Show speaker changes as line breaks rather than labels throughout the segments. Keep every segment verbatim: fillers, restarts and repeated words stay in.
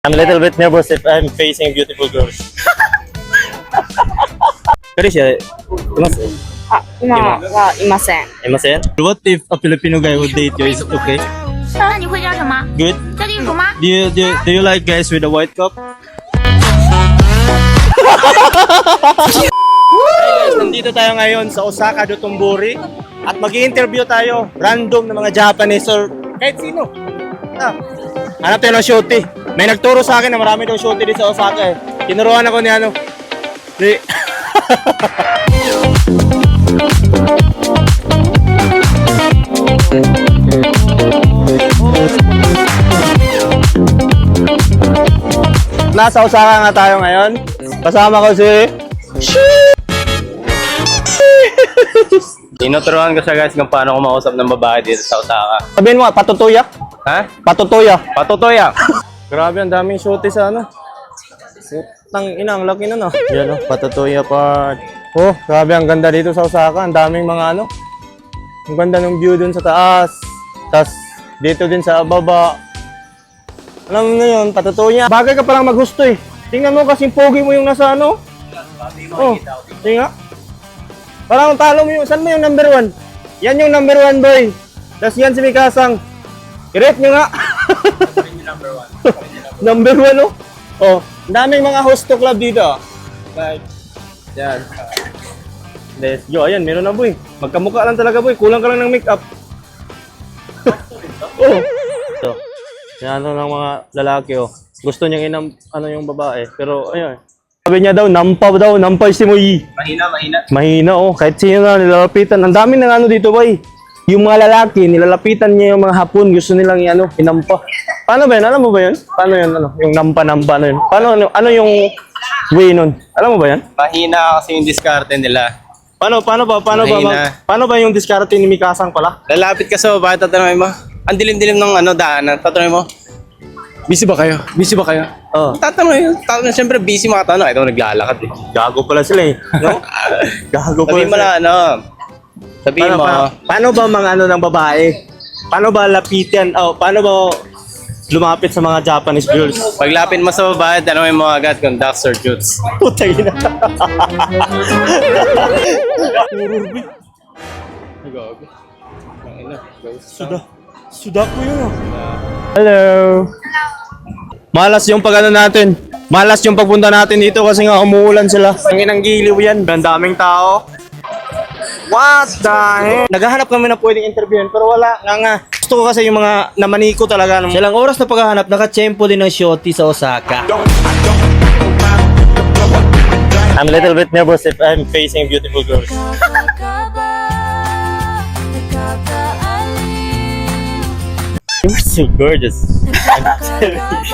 I'm a little bit nervous if I'm facing beautiful girls. Karisha, imasu?
あ、今はいません。
Imasen? What if a Filipino guy would date you? Is it okay?
那你会叫什么？
Good?
叫地主吗？
Do you, do you, do you like guys with a white cup? Hey guys, nandito tayo ngayon sa Osaka, Dotonbori at mag-i-interview tayo random na mga Japanese or kahit sino. Ah, hanap tayo ng shorty. May nagturo sa akin na marami daw shorty dito sa Osaka eh. Tinuruan ako ni ano. Ni... Nasa Osaka nga tayo ngayon. Kasama ko si...
Tinuturuan ko siya guys kung paano kumausap ng babae dito sa Osaka.
Sabihin mo, patutuya?
Ha?
Patutuya.
Patutoya!
Grabe, ang daming shorty sa ano. Tang ina, ang laki na no. Yan oh, patutuya part. Oh, grabe, ang ganda dito sa Osaka. Ang daming mga ano. Ang ganda ng view dun sa taas. Tapos dito din sa baba. Alam mo na yun, patutuya. Bagay ka palang maghusto eh. Tingnan mo kasing pogi mo yung nasa ano. Oh, tingnan. Parang talo mo yung, saan mo yung number one? Yan yung number one boy. Tapos yan si Mikasang. I-rate nyo nga. Number one, oh. Oh, ang daming mga hosto club dito. Like, yan. Let's go. Ayan, meron na, boy. Magkamukha lang talaga, boy. Kulang ka lang ng makeup. Oh. So, yan ano ng mga lalaki, oh. Gusto niyang inam, ano yung babae. Pero, ayun. Sabi niya daw, nampa daw, nampay si Moy.
Mahina, mahina.
Mahina, oh. Kahit sino na nilalapitan. Ang dami ng ano dito, boy. Yung mga lalaki, nilalapitan niya yung mga hapon, gusto nilang ano, inampa. Paano ba yun? Alam mo ba yun? Paano yun? Ano? Yung nampa-nampa, ano yun? Paano, ano, ano yung way nun? Alam mo ba yan?
Mahina kasi yung diskarte nila.
Paano, paano ba? Paano ba?
Mahina.
ba paano ba yung diskarte ni Mikasang pala?
Lalapit ka sa babae, tatanungin mo. Ang dilim-dilim ng ano, daanan. Tatanungin mo. Busy ba kayo? Busy ba kayo?
Oh.
Tatanungin. Tatanungin. Siyempre busy makatanong. Ito naglalakad eh.
Gago pala sila eh. No? Gago pala
Sabihin mo
sila.
na ano. Sabihin
Paano,
mo.
paano, paano ba mga ano ng babae? Paano ba lapitan? Oh, paano ba lumapit sa mga Japanese girls?
Paglapit mo sa babae, tanungin mo agad kung ducks or jutes.
Putay na. Suda. Suda ko yun ah. Hello. Malas yung pag ano natin. Malas yung pagpunta natin dito kasi nga umuulan sila. Ang inang giliw yan. Ang daming tao. What the heck? Naghahanap kami na pwedeng interviewin pero wala nga nga. Gusto ko kasi yung mga namaniko talaga. Silang oras na paghahanap, nakachempo din ng shorty sa Osaka. I'm a little bit nervous if I'm facing beautiful girls. You're so gorgeous. I'm telling you.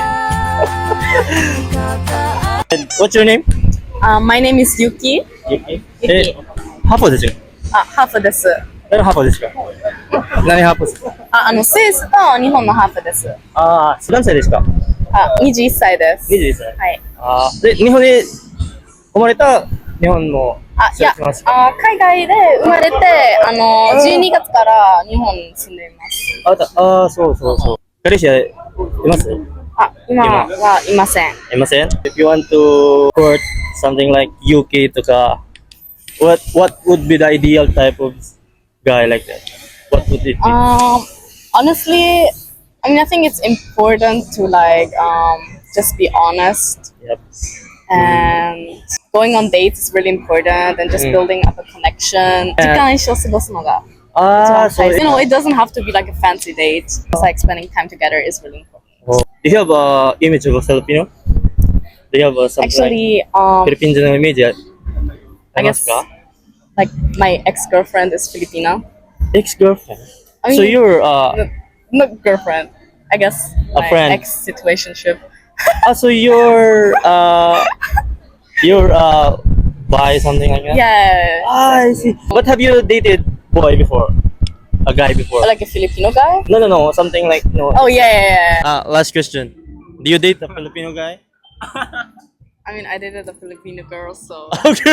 And what's your name?
Uh, my name is Yuki.
Yuki.
Yuki.
ハーフですよ。
あ、ハーフです。
何ハーフですか？何ハーフですか？
あ、あの、スイスと日本のハーフです。
ああ、何歳ですか？
あ、にじゅういっさいです。
にじゅういっさい。
はい。
ああ、で、日本に生まれた日本の
あ、いや、
育ちますか？
あ、海外で生まれて、あの、じゅうにがつから日本に住んでいます。
あ、だあー、そうそうそう。彼氏はいます？
あ、今はいません。
いません If you want to court something like Yuki とか、what what would be the ideal type of guy like that? What would it be?
Um, honestly, I mean, I think it's important to like um just be honest
Yep.
and going on dates is really important and just
Mm.
building up a connection. 時間一緒過ごすのが
ああ、
一番大事。
そう。
You know, it doesn't have to be like a fancy date. It's like spending time together is really important.
Oh. Do you have a image of a Filipino? Do you have a something
Actually,
like
um,
Philippines のイメージあ
I
ります
guess
か
like my ex-girlfriend is Filipino.
Ex-girlfriend.
I mean,
So you're uh,
no, not girlfriend. I guess
A
my
friend.
ex-situationship.
ah, so you're uh, you're uh, bi something like that.
Yeah,
Ah, I see. What have you dated boy before? A guy before?
like a Filipino guy.
No, no, no. Something like no.
Oh yeah, yeah, yeah.
Uh, last question. Do you date a Filipino guy?
I mean, I dated a Filipino girl, so
Okay.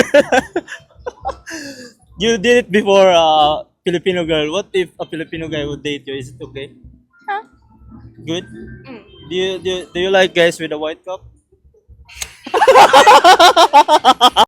You did it before uh Filipino girl. What if a Filipino guy would date you? Is it okay?
Huh?
Good?
mm.
Do you, do you, do you like guys with a white cup?